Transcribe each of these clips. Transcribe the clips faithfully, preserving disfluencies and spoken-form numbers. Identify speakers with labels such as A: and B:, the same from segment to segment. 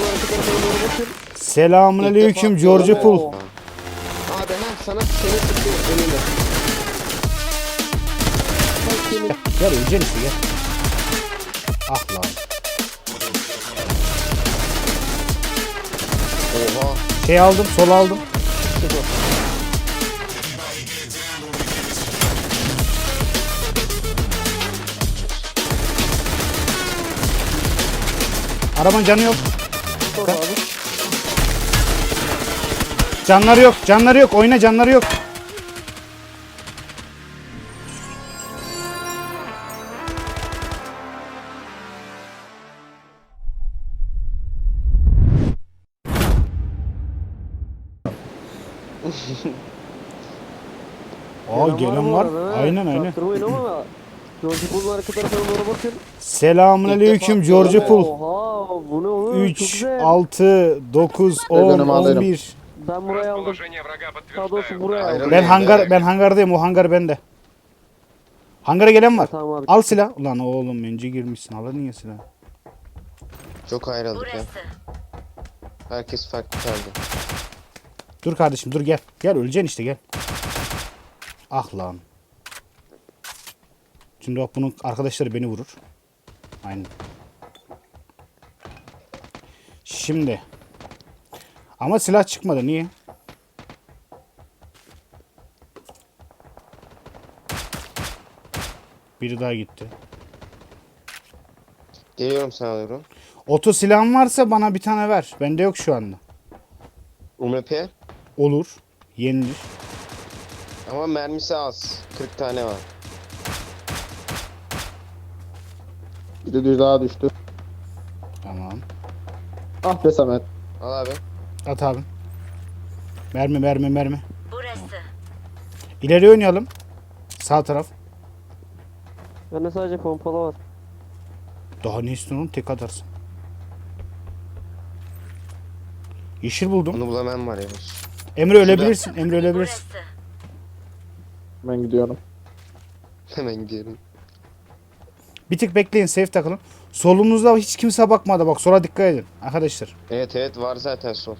A: Selamünaleyküm George Pool.
B: Abi ha sana seni sıkıyor önünde.
A: Gel öleceksin işte gel. Ah lan.
B: Oha.
A: Şey aldım, sol aldım. Arabanın canı yok. Canları yok, canları yok. Oyna, canları yok. Aa gelen var. Aynen aynen. Selamünaleyküm George Pool.
C: Oha bu ne oğlum?
A: üç, altı, dokuz, on, on bir.
C: Ben buraya aldım. Daha doğrusu buraya aldım.
A: Ben hangar ben hangardayım. O hangar bende. Hangara gelen var.
C: Tamam abi.
A: Al silah. Ulan oğlum önce girmişsin. Al niye silah?
B: Çok ayrıldık ya. Herkes farklı kaldı.
A: Dur kardeşim dur gel. Gel öleceksin işte gel. Ah lan. Şimdi bak bunun arkadaşları beni vurur. Aynen. Şimdi. Ama silah çıkmadı. Niye? Biri daha gitti.
B: Geliyorum sana alıyorum.
A: Oto silahın varsa bana bir tane ver. Bende yok şu anda.
B: U M P
A: Olur. Yenilir.
B: ama mermisi az. kırk tane var.
D: Bir de düz daha düştü.
A: Tamam.
D: Ah be Samet.
B: Al abi.
A: At abi. Mermi mermi mermi.
E: Burası.
A: İleri oynayalım. Sağ taraf.
C: Bende sadece pompalı var.
A: Daha ne istiyorsun oğlum? Tek atarsın. Yeşil buldum.
B: Onu bulamam var ya.
A: Emre ölebilirsin. Emre ölebilirsin.
E: Burası.
D: Ben gidiyorum.
B: Hemen gidiyorum.
A: Bir tık bekleyin. Safe takılın. Solunuzda hiç kimse bakmadı. Bak sola dikkat edin. Arkadaşlar.
B: Evet evet var zaten sol.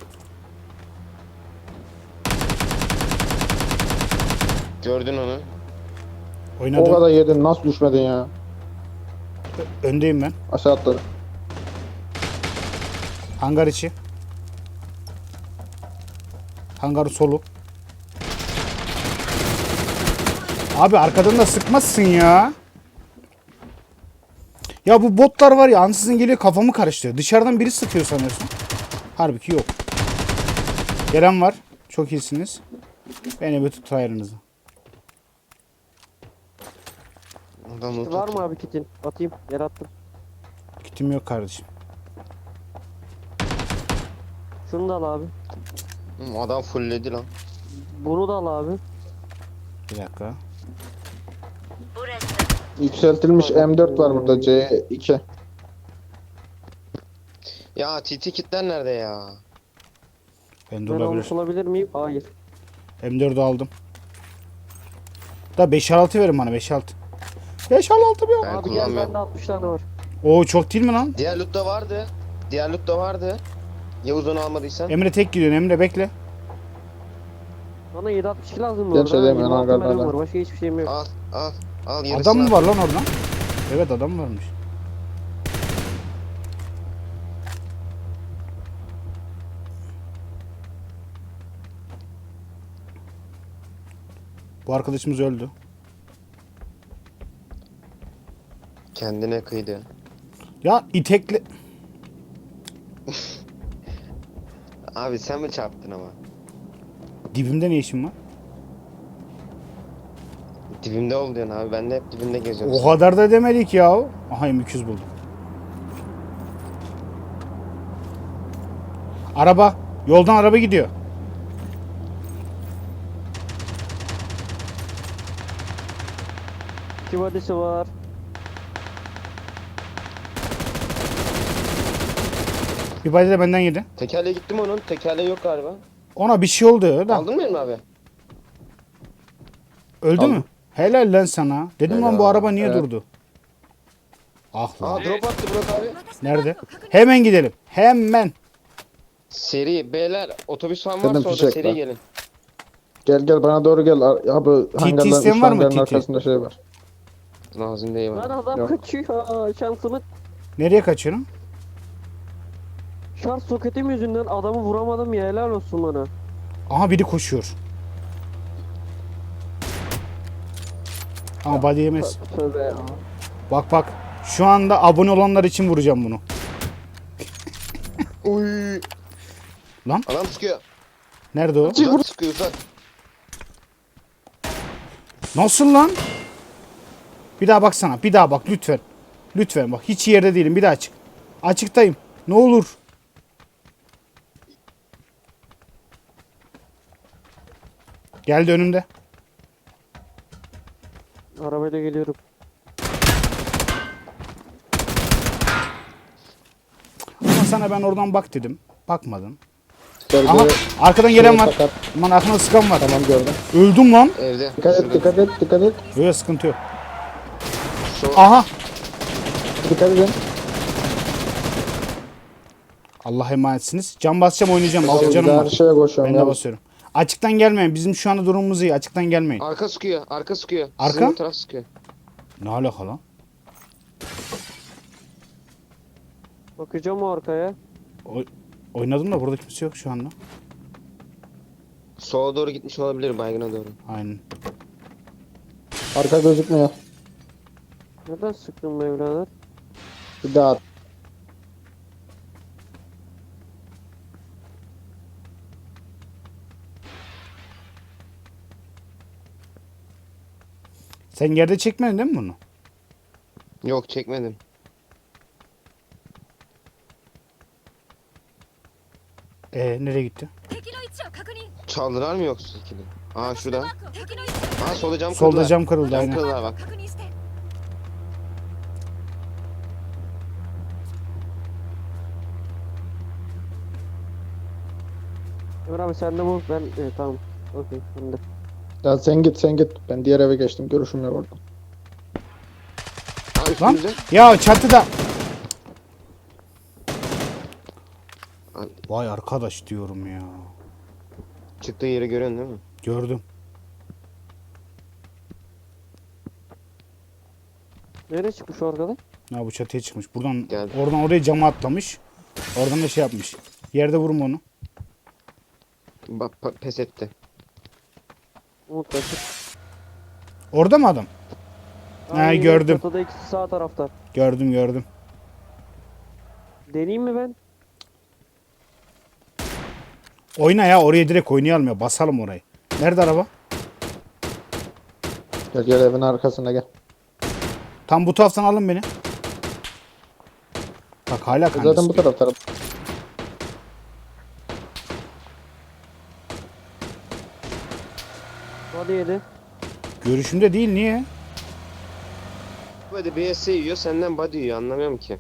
B: Gördün onu.
D: O
A: Oynadım.
D: kadar yedin nasıl düşmedin ya?
A: Öndeyim ben.
D: Aşağı atladı.
A: Hangar içi. Hangar solu. Abi arkadan da sıkmazsın ya. Ya bu botlar var ya ansızın geliyor kafamı karıştırıyor. Dışarıdan biri sıkıyor sanıyorsun. Halbuki yok. Gelen var. Çok iyisiniz. Beni bir tut ayarınızı.
B: Adam loot
C: Var mı
B: atıyor.
C: abi kitin? Atayım. Yer attım.
A: Kitim yok kardeşim.
C: Şunu da al abi.
B: Hı, adam fullledi lan.
C: Bunu da al abi.
A: Bir dakika.
E: Burası.
D: Yükseltilmiş M dört var burada C iki.
B: Ya T T kitler nerede ya?
A: Ben de
C: Ben
A: olabilir.
C: almış olabilir miyim? Hayır.
A: M dördü aldım. Da beş altı verin bana beş altı. beş altı bir.
B: Ben
C: Abi gel
B: kullanmıyorum.
C: bende altmış tane var.
A: Oo çok değil mi lan?
B: Diğer loot da vardı. Diğer loot da vardı. Yavuz onu almadıysan.
A: Emre tek gidiyorsun Emre bekle.
C: Bana yedi altmış iki lazım bu
D: Gel
C: arada.
D: şey deme,
C: yirmi altı
D: hangarda
C: mermim
D: da.
C: var. Başka hiçbir şeyim yok.
B: Al al al yarısını
A: Adam mı
B: al.
A: var lan orada? Evet adam varmış. Bu arkadaşımız öldü.
B: Kendine kıydı.
A: Ya itekle...
B: Abi sen mi çarptın ama?
A: Dibimde ne işin var?
B: Dibimde ol diyorsun abi. Ben de hep dibinde geziyorum.
A: O kadar da demedik ya. Aha M iki yüz buldum. Araba. Yoldan araba gidiyor.
C: İki vadisi var.
A: Bir body de benden yedi.
B: Tekerleğe gittim onun. Tekerleği yok galiba.
A: Ona bir şey oldu da.
B: Aldın mı Emre abi?
A: Öldü
D: Aldım.
A: mü? Helal lan sana. Dedim lan bu
B: Helal.
A: araba niye
D: Evet.
A: durdu? Ah lan.
B: Aa drop attı Burak abi.
A: Nerede? Hemen gidelim. Hemen.
B: Seri beyler otobüs falan
D: Dedim
B: varsa orada
D: fişek
B: seri
D: var.
B: gelin.
D: Gel gel bana doğru gel. Ar- Abi hangarların
A: isteyen
D: üç
A: var mı,
D: hangarın
A: T T?
D: arkasında şey var.
B: Lazım değil
C: Lan
B: bana.
C: adam
D: Yok.
C: kaçıyor. Şansımı.
A: Nereye kaçıyorum?
C: Şarj soketim yüzünden adamı vuramadım ya, helal olsun bana.
A: Aha biri koşuyor. Ama body yemez.
C: Tövbe ya.
A: Bak bak. Şu anda abone olanlar için vuracağım bunu.
B: Uy.
A: Lan?
B: Adam sıkıyor.
A: Nerede o?
B: Uzak sıkıyor uzak.
A: Nasıl lan? Bir daha baksana. Bir daha bak lütfen. Lütfen bak. Hiç yerde değilim. Bir daha çık. Açıktayım. Ne olur. Geldi önümde.
C: Arabayla geliyorum.
A: Ama sana ben oradan bak dedim. Bakmadın.
D: Sergi
A: Aha arkadan gelen var.
D: sakat.
A: Aman arkada sıkan var.
D: Tamam gördüm.
A: Öldüm lan.
B: Evde.
D: Dikkat et
B: Şurada.
D: dikkat et dikkat et.
A: Böyle sıkıntı yok.
B: Şu
A: Aha.
D: Dikkat edin.
A: Allah'a emanetsiniz. Can basacağım oynayacağım. Altı
D: Abi,
A: canım
D: Her
A: var.
D: şeye koşuyorum
A: Ben de
D: ya.
A: basıyorum. Açıktan gelmeyin. Bizim şu anda durumumuz iyi. Açıktan gelmeyin.
B: arka sıkıyor. Arka sıkıyor.
A: Arka?
B: Sizin bu taraf sıkıyor.
A: Ne alaka lan?
C: Bakacağım o arkaya.
A: O- oynadım da burada kimse yok şu anda.
B: Sola doğru gitmiş olabilir baygına doğru.
A: Aynen.
D: Arka gözükmüyor.
C: Neden sıktın be evlader?
D: Bir daha at.
A: Sen yerde çekmedin değil mi bunu?
B: Yok çekmedim.
A: Ee nereye gitti?
B: Çaldılar mı yoksa ikili? Aa şurada. Aa solda cam kırıldı.
A: Solda cam kırıldı
B: Cam
A: aynen.
B: kırıldı bak.
C: Ömer abi sen de bu. Ben e, tamam. Okey ben de.
D: Ya sen git sen git. Ben diğer eve geçtim. Görüşüm yok orada.
B: Aa
A: Lan
B: üstümüzde.
A: ya çatıda.
B: Ay,
A: Vay arkadaş diyorum ya.
B: çıktığı yeri görüyorsun değil mi?
A: Gördüm.
C: Nereye çıkmış o arkadaş?
A: Ya bu çatıya çıkmış. Buradan
B: Geldi.
A: oradan oraya cama atlamış. Oradan da şey yapmış. Yerde vurma onu.
B: Bak pa- pes etti.
C: Umut kaçır.
A: Orada mı adam? Ha, gördüm.
C: Çatıda ikisi sağ tarafta.
A: Gördüm gördüm.
C: Deneyeyim mi ben?
A: Oyna ya oraya direkt oynayalım ya. Basalım orayı. Nerede araba?
D: Gel gel evin arkasına gel.
A: Tam bu taraftan alın beni. Bak hala
D: Zaten
A: kanka
D: bu taraf taraf.
C: Hadi yedi.
A: Görüşümde değil niye?
B: Böyle B S yiyor senden body yiyor anlamıyorum ki.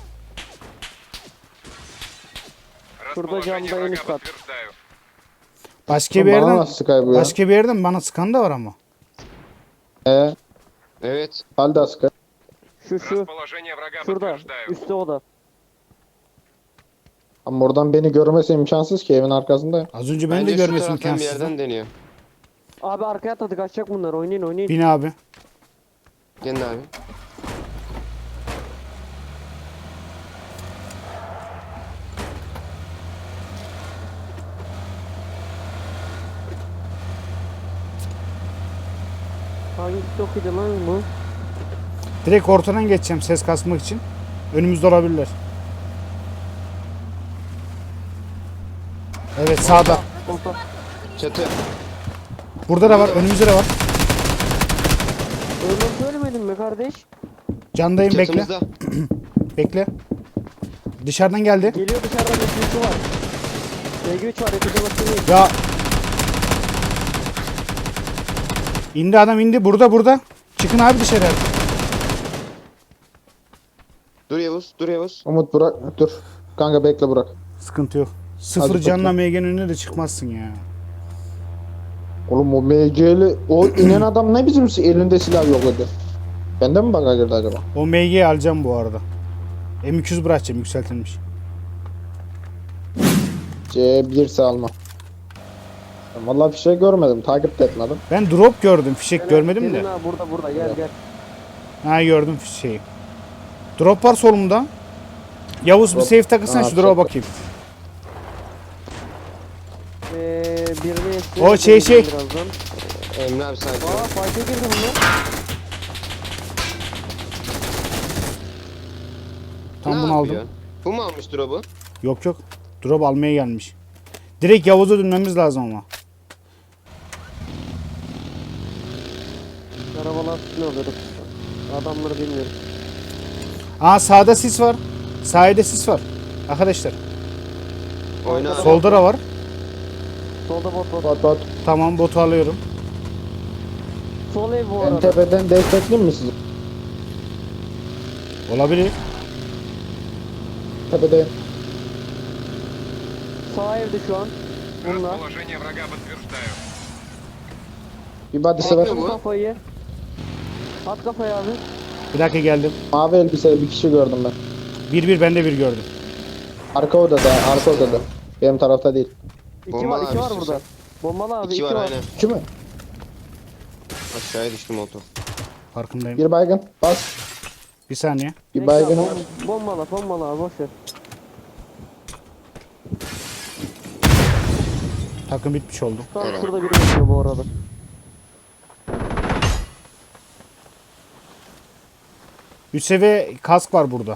C: Şurada camda en üst kat.
A: Başka bir
D: Bana
A: yerden
D: nasıl Sky bu ya?
A: başka bir yerden bana sıkan da var ama.
D: Ee,
B: Evet.
D: Halda Sky.
C: Şu şu.
F: Расположение врага
C: Şurada.
F: подтверждаю.
C: Üstte o da.
D: Ama oradan beni görmesi imkansız ki evin arkasındayım.
A: Az önce beni
B: Bence
A: de
B: şu
A: görmesin
B: taraftan bir
A: imkansız.
B: yerden deniyor.
C: Abi arkaya atladı, kaçacak bunlar, oynayın oynayın.
A: Bin abi.
B: Gelin abi.
C: Hangi TikTok'uydu lan bu?
A: Direkt ortadan geçeceğim ses kasmak için. Önümüzde olabilirler. Evet sağda.
C: Orta.
B: Çatı.
A: Burada da var. Önümüzde de var.
C: Öyle söylemedim mi kardeş?
A: Candayım bekle.
B: Çatımızda.
A: Bekle. Dışarıdan geldi.
C: Geliyor dışarıdan bir var. B G üç var, hepimize bakıyor.
A: Ya. İndi adam indi. Burada burada. Çıkın abi dışarı.
B: Dur Yavuz. Dur Yavuz.
D: Umut bırak dur. Kanka bekle bırak.
A: Sıkıntı yok. Sıfır
D: Hadi
A: canla
D: bakayım.
A: M G'nin önüne de çıkmazsın ya.
D: Oğlum o M C'li o inen adam ne bizim elinde silah yok dedi. Bende mi bug'a girdi acaba?
A: O M G'yi alacağım bu arada. M iki yüz bırakacağım yükseltilmiş.
D: C bir ise alma. Ben vallahi bir şey görmedim. Takip de etmedim.
A: Ben drop gördüm. Fişek görmedim
C: Gelin
A: de.
C: ha, burada burada gel gel.
A: Ha gördüm fişeği. Drop var solumda. Yavuz bir
D: Drop.
A: safe takırsan
D: Ha,
A: şu drop'a
D: çok-
A: bakayım.
C: Ee, birini eski-
A: O şey, şey.
C: Birazdan.
B: Emre abi sakin ol.
C: Aa fight'e girdi bunlar.
A: Tam
B: Ne
A: bunu aldım.
B: yapıyor? Bu mu almış drop'u?
A: Yok yok. Drop almaya gelmiş. Direkt Yavuz'a dönmemiz lazım ama.
C: Arabalar ne alıyoruz? Adamları bilmiyorum.
A: Aa sağda sis var. Sahilde sis var. Arkadaşlar.
B: Oyna abi.
A: Solda da var.
C: Solda bot bot.
D: Bot bot.
A: Tamam botu alıyorum.
C: Sol ev bu
D: En
C: arada.
D: tepeden destekleyeyim mi sizi?
A: Olabilir.
D: Tepedeyim.
C: Sağ evde şu an. Bunlar.
F: Расположение врага подтверждаю.
D: Bir body'si var.
B: Bakıyor bu.
C: Kafayı. At kafayı abi.
A: Bir dakika geldim.
D: Mavi elbiseli bir kişi gördüm ben.
A: Bir bir ben de bir gördüm.
D: Arka odada, arka odada. Benim tarafta değil.
C: İki
B: Bombalı
C: var, iki
B: abi
C: var
B: istiyorsan.
C: burada. Bombalı abi,
B: İki var aynen.
D: İki mi?
B: Aşağıya düştü motor.
A: Farkındayım.
D: Bir baygın. Bas.
A: Bir saniye.
D: Bir
C: Neyse
D: baygın.
C: abi, bom- Bombalı, bombalı abi boş ver.
A: Takım bitmiş oldu.
C: Tam
B: Evet.
C: şurada biri bekliyor bu arada.
A: Üç seviye kask var burada.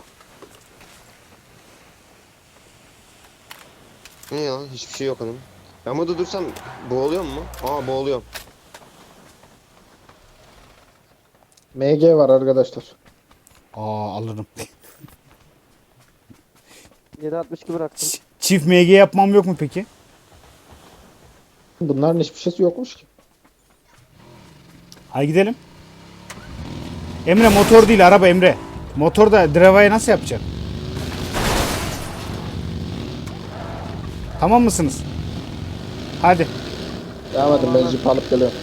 B: Ne ya? Hiçbir şey yok hanım. Ben burada dursam boğuluyor mu? Aa boğuluyorum.
D: M G var arkadaşlar.
A: Aa alırım.
C: yedi altmış iki bıraktım.
A: Ç- Çift M G yapmam yok mu peki?
D: Bunların hiçbir şeysi yokmuş ki.
A: Hadi gidelim. Emre motor değil araba Emre. Motor da driva'yı nasıl yapacak? Tamam mısınız? Hadi.
D: Devam edin, ben jip alıp geliyorum.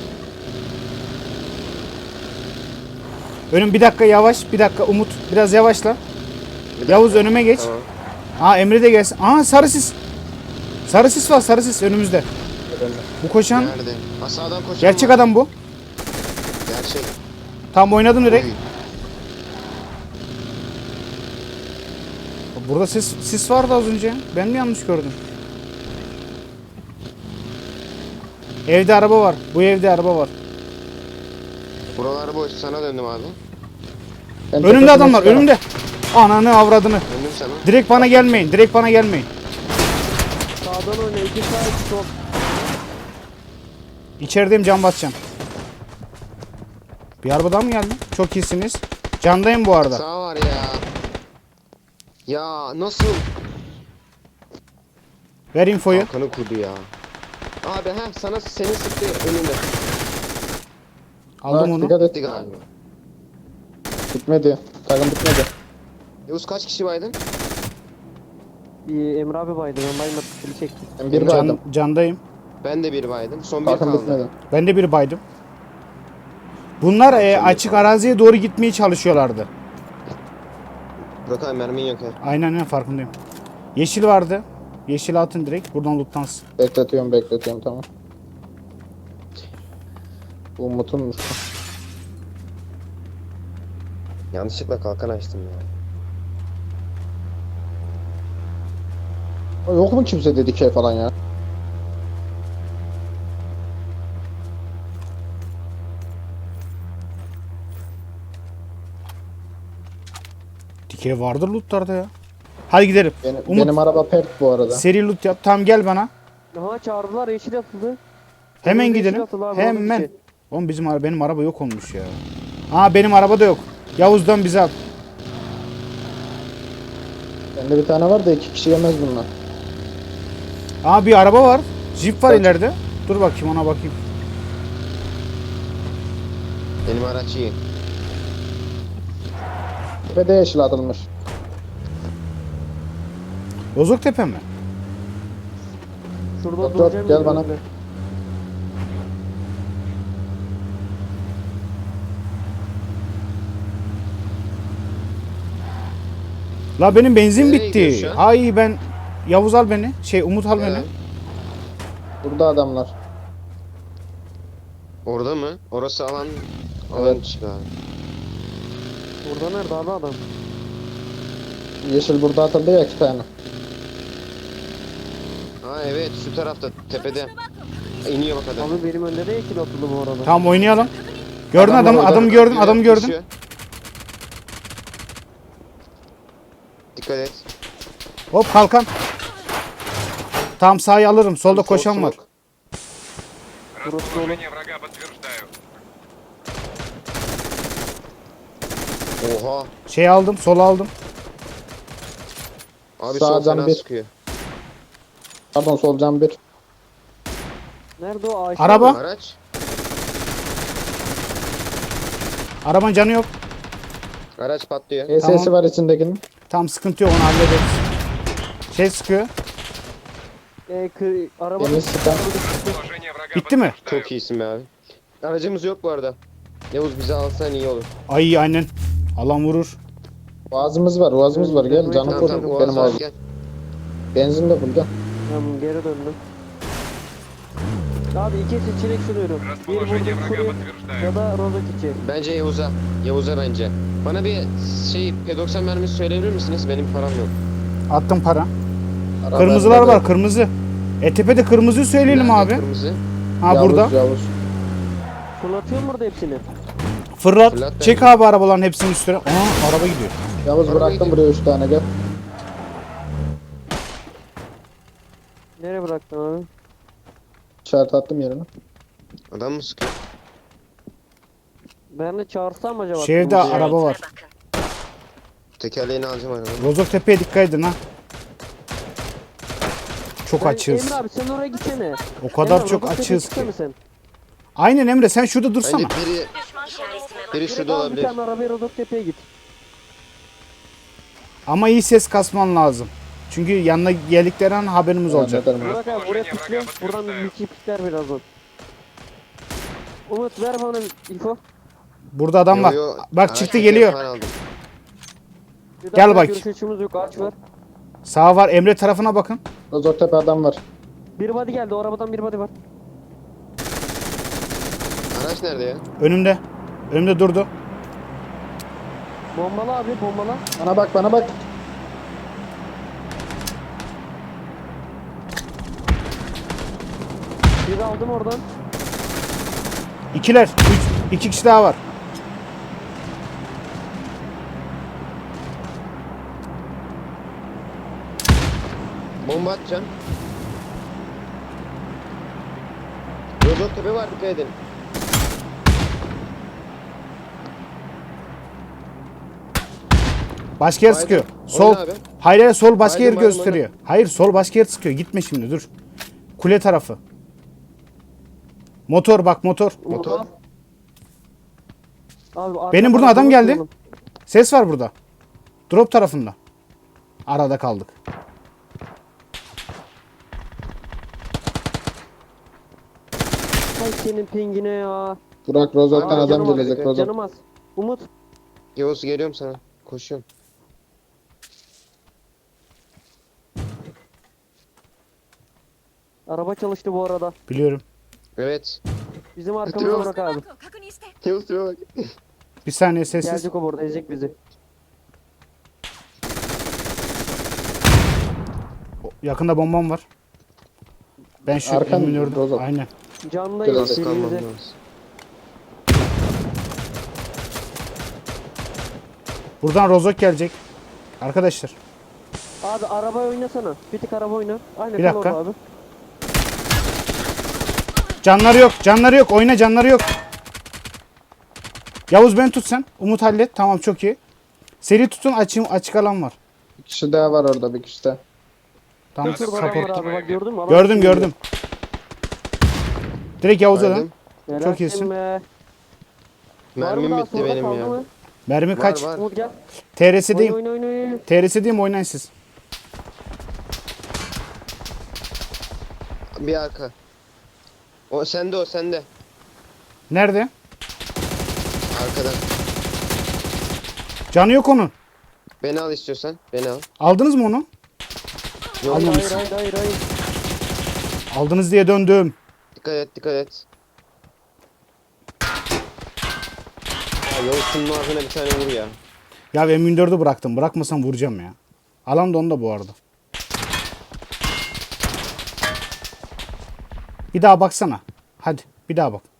A: Önüm bir dakika yavaş. Bir dakika Umut. Biraz yavaşla. Yavuz önüme geç.
B: Tamam.
A: Aa Emre de gelsin. Aa sarı sis. Sarı sis var sarı sis önümüzde. Bu koşan
B: Nerede? Ha sağdan koşan
A: gerçek
B: var.
A: adam bu.
B: Gerçek.
A: Tam oynadım direkt.
B: Uy.
A: Burada sis, sis vardı az önce. Ben mi yanlış gördüm? Evde araba var. Bu evde araba var.
B: Buralar boş. Sana döndüm abi.
D: Ben
A: Önümde
D: tepesine
A: adamlar
D: çıkarım.
A: önümde. Ananı avradını.
B: Döndüm sana.
A: Direkt bana gelmeyin. Direkt bana gelmeyin.
C: Sağdan oyna, iki sağ, iki sol.
A: İçerideyim can basacağım. Bir araba daha mı geldi? Çok iyisiniz. Candayım bu arada.
B: Sağ var ya. Ya nasıl?
A: Ver infoyu.
B: Kalkanı kurdu ya. Abi ha sana senin sıktı önünde.
A: Aldım
D: Bak,
A: onu.
D: Dikkat et.
B: Gitti galiba.
D: Bitmedi. Takım bitmedi.
B: Yavuz kaç kişi baydın?
C: Bir Emre abi baydı, ben baymadım, seni çektim.
D: Ben bir
A: Can,
D: baydım.
A: candayım.
B: Ben de bir baydım. Son bir
D: Takım
B: kaldı.
D: bitmedi.
A: Ben de bir baydım. Bunlar e, açık araziye doğru gitmeye çalışıyorlardı.
B: Burak abi mermin yok ya.
A: Aynen aynen farkındayım. Yeşil vardı. Yeşil atın direkt. Buradan lootlansın.
D: Bekletiyorum bekletiyorum tamam. Bu Umut'un
B: Yanlışlıkla kalkan açtım ya.
D: O yok mu kimse dedi şey falan ya?
A: Dikey vardır lootlarda ya. Hadi gidelim.
D: Benim,
A: Umut
D: benim araba pert bu arada.
A: seri loot yap. Tamam gel bana.
C: Aha çağırdılar, yeşil atıldı.
A: Hemen
C: Yeşil
A: gidelim.
C: atıldı abi,
A: Hemen.
C: on iki.
A: Oğlum bizim ara benim araba yok olmuş ya. Aa benim araba da yok. Yavuz'dan bize al.
D: Bende bir tane var da iki kişi yemez bunlar.
A: Aa bir araba var. Jeep var
D: Kaç?
A: ileride. Dur bakayım ona bakayım.
B: Benim araç iyi.
D: Tepede yeşil atılmış.
A: Bozoktepe mi?
C: Şurada
D: Yok, yok,
C: duracağım.
D: gel
C: bir
D: bana.
C: önde.
A: La benim benzin
B: Nereye gidiyoruz
A: bitti.
B: şu an?
A: Ay ben Yavuz al beni. Şey Umut al beni.
B: Evet.
D: Burada adamlar.
B: Orada mı? Orası alan alan
D: Evet.
B: dışı galiba.
C: Burada nerede abi adam?
D: Yeşil burada atıldı ya iki tane.
B: Ha evet şu tarafta tepede. İniyor bak adam.
C: Abi benim önde de yeşil atıldı bu arada.
A: Tamam oynayalım. Gördün
D: Adamlar
A: adamı,
D: orada.
A: adamı gördün,
B: Biri
A: adamı gördün.
B: koşuyor. Dikkat et.
A: Hop kalkan. Tam sağı alırım. Solda koşan var.
B: Smoke.
C: Burası dolu.
F: врага подтверждаю.
B: Oha.
A: Şey aldım, sol aldım.
B: Abi
D: Sağ
B: sol
D: cam
B: fena
D: bir.
B: sıkıyor.
D: Pardon solcan bir.
C: Nerede o ağaçlar?
A: Araba.
B: Araç.
A: Arabanın canı yok.
B: Araç patlıyor.
D: E S'si
A: Tamam.
D: var içindekinin.
A: Tam sıkıntı yok, onu hallederiz. Şey sıkıyor.
C: Ee, kı- araba
D: Temiz sıkan.
F: Положение врага
A: Bitti mi?
F: подтверждаю.
B: Çok iyisin be abi. Aracımız yok bu arada. Yavuz bizi alsan iyi olur.
A: Ay aynen. Alan vurur.
D: Boğazımız var, boğazımız var. Gel canım
B: Tamam
D: full.
B: tamam o
D: Benim
B: azar
D: ağzım.
B: gel.
D: Benzin de full gel.
C: Tamam geri döndüm. Abi iki seçenek sunuyorum. Bir
F: Расположение
C: burada
F: врага
C: kuruyor
F: подтверждаю.
C: ya da rozet içi.
B: Bence Yavuz'a. Yavuz'a bence. Bana bir şey P doksan mermisi söyleyebilir misiniz? Benim param yok.
A: Attım para.
D: Araba
A: Kırmızılar
D: bende de.
A: var, kırmızı. E tepede kırmızıyı söyleyelim
B: Nerede
A: abi.
B: Kırmızı.
A: Ha
D: Yavuz,
A: burada.
D: Yavuz.
C: Fırlatıyor mu burada hepsini?
A: Fırlat.
B: Fırlat
A: Çek
B: bence.
A: abi arabaların hepsinin üstüne. Aa araba gidiyor.
D: Yavuz
B: Araba
D: bıraktım
B: gidiyor.
D: buraya üç tane gel.
C: Nereye bıraktın abi?
D: İşaret attım yerine.
B: Adam mı sıkıyor?
C: Ben de çağırsam mı acaba?
A: Şu evde
C: Kırmızı-
A: araba var.
E: bakın.
B: Tekerleğini alacağım arabanın.
A: Rozok tepeye dikkat edin ha. Çok
C: Ben-
A: açığız.
C: Emre abi sen oraya gitsene.
A: O kadar
C: Emre,
A: çok
C: rozet
A: açığız
C: tepeye
A: ki.
C: çıksana sen.
A: Aynen Emre sen şurada dursana.
B: Bence biri, biri
C: Direkt
B: şurada
C: al bir
B: olabilir.
C: tane arabaya rozet tepeye git.
A: Ama iyi ses kasman lazım. Çünkü yanına geldikleri an haberimiz olacak.
D: Neden mi?
C: Burak abi buraya
F: Расположение
C: pikle.
F: врага
C: Buradan
F: подтверждаю.
C: bir pikler birazdan. Umut ver bana info.
A: Burada adam var.
B: Yo, yo,
A: Bak
B: araç
A: çıktı
B: teker
A: geliyor.
B: falan aldım.
C: Bir
A: Gel
C: daha
A: bak.
C: Görüş açımız yok ağaç var.
A: Sağ var. Emre tarafına bakın.
D: Rozoktepe adam var.
C: Bir body geldi o arabadan bir body var.
B: Araç nerede ya?
A: Önümde. Önümde durdu.
C: Bombala abi bombala.
D: Bana bak bana bak.
C: Bir aldım oradan.
A: İkiler. Üç. İki kişi daha var.
B: Bomba atacağım. Rozok tepe var dikkat edin.
A: Başka yer
B: Baydım.
A: sıkıyor.
B: Oyna
A: Sol.
B: abi.
A: Hayır hayır sol başka
B: Baydım,
A: yer
B: baydım,
A: gösteriyor. Hayır sol başka yer sıkıyor. Gitme şimdi dur. Kule tarafı. Motor bak motor.
B: Motor.
C: Abi, arkadan
A: Benim buradan adam geldi.
C: bakıyorum.
A: Ses var burada. Drop tarafında. Arada kaldık.
C: Ay senin pingine ya.
D: Burak Rozok'tan
B: Abi,
D: adam
C: Canım az,
D: gelecek Rozok.
C: Canım az. Umut.
B: Yavuz geliyorum sana. Koşuyorum.
C: Araba çalıştı bu arada.
A: Biliyorum.
B: Evet.
C: Bizim arkamızda
B: Yok.
C: bırak abi.
B: Yavuz tipe bak.
A: Bir saniye sessiz.
C: Gelecek o burada ezecek bizi.
A: Yakında bombam var. Ben şu
D: Arkan
A: eminördüm.
D: Rozok.
A: Aynen.
C: Candayız
D: Biraz
B: Nasıl kalmam
C: birimize.
B: lazım?
A: Buradan Rozok gelecek. Arkadaşlar.
C: Abi araba oynasana. Bir tık araba oyna. Aynen
A: Bir
C: kal
A: dakika.
C: orada abi.
A: Canları yok. Canları yok. Oyna canları yok. Yavuz beni tut sen. Umut hallet. Tamam çok iyi. Seri tutun. Açım, açık alan var.
D: Bir kişi daha var orada bir kişi daha.
A: Tamam
C: Şurada adam var
A: support.
C: abi bak gördün mü? Adam
A: Gördüm
C: sürüyor.
A: gördüm. Direkt Yavuz'a dön.
B: Baydım.
C: Helal
A: Çok iyisin.
C: be. Var mı
B: Mermim
C: daha
B: bitti
C: sonra
B: benim
C: kaldı
B: ya.
C: mı?
A: Mermi
B: Var,
A: kaç?
B: var.
C: Umut gel.
A: T R
C: Oyna
A: S'deyim.
C: oyna oyna. oyna.
A: T R S'deyim oynayın siz.
B: Bir arka. O sende o sende.
A: Nerede?
B: Arkadan.
A: Canı yok onun.
B: Beni al istiyorsan. Beni al.
A: Aldınız mı onu?
B: Yok,
C: Hayır
A: Almamışsın.
C: hayır hayır hayır.
A: Aldınız diye döndüm.
B: dikkat et dikkat et. Ya Yavuz'un ağzına bir tane vur ya.
A: Ya M yirmi dördü bıraktım. Bırakmasam vuracağım ya. Alan da onda bu arada. Bir daha baksana. Hadi bir daha bak.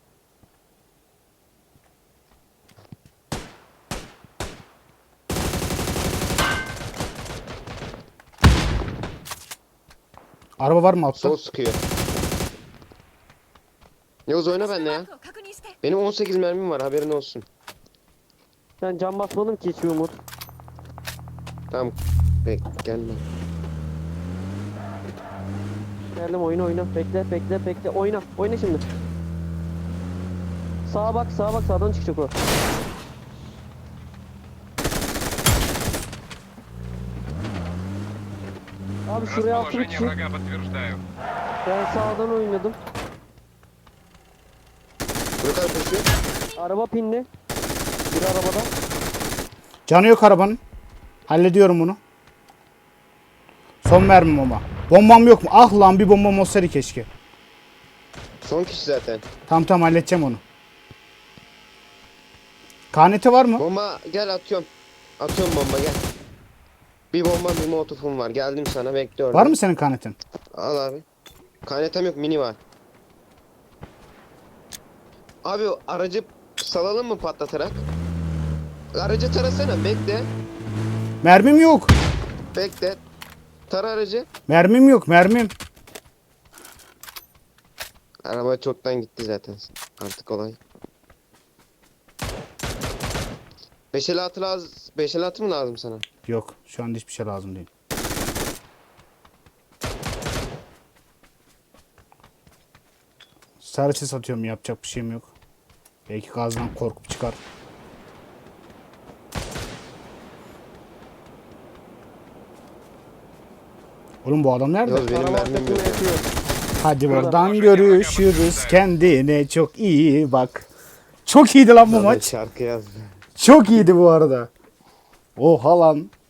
A: Araba var mı altta?
B: Sol sıkıyor. Yavuz oyna benimle ya.
E: 確認して。
B: Benim on sekiz mermim var haberin olsun.
C: Ben cam basmadım ki hiçbir umut.
B: Tamam. Bek gelme.
C: Geldim oyna oyna. Bekle bekle bekle. Oyna. Oyna şimdi. Sağa bak sağa bak sağdan çıkacak o. Abi şuraya altı bir
F: Расположение
C: kişi.
F: врага подтверждаю.
C: Ben sağdan oynadım.
B: Ne kadar koşuyor?
C: Araba pinli. Bir arabada.
A: Canı yok arabanın. Hallediyorum bunu. Son mermim ama. Bombam yok mu? Ah lan bir bombam olsaydı keşke.
B: Son kişi zaten.
A: Tamam tamam halledeceğim onu. K N T var mı?
B: Bomba gel atıyorum. Atıyorum bomba gel. Bir bomba bir molotofum var. Geldim sana bekle orada.
A: Var mı senin K N T'in?
B: Al abi. Kaynetem yok mini var. Abi o aracı salalım mı patlatarak? Aracı tarasana bekle.
A: Mermim yok.
B: Bekle. Tara aracı.
A: Mermim yok mermim.
B: Araba çoktan gitti zaten. Artık olay. beş elli altı lazım. beş elli altı mı lazım sana?
A: Yok şu anda hiçbir şey lazım değil. Sarıçı satıyorum yapacak bir şeyim yok. Belki gazdan korkup çıkar. Oğlum bu adam nerede?
B: Yavuz benim
C: Araba
B: mermim
C: arkasına
B: yok. ya.
C: yatıyor.
A: Hadi buradan görüşürüz. Kendine çok iyi bak. Çok iyiydi lan bu
B: Sana
A: maç.
B: Şarkı yazdı.
A: Çok iyiydi bu arada. Oha lan.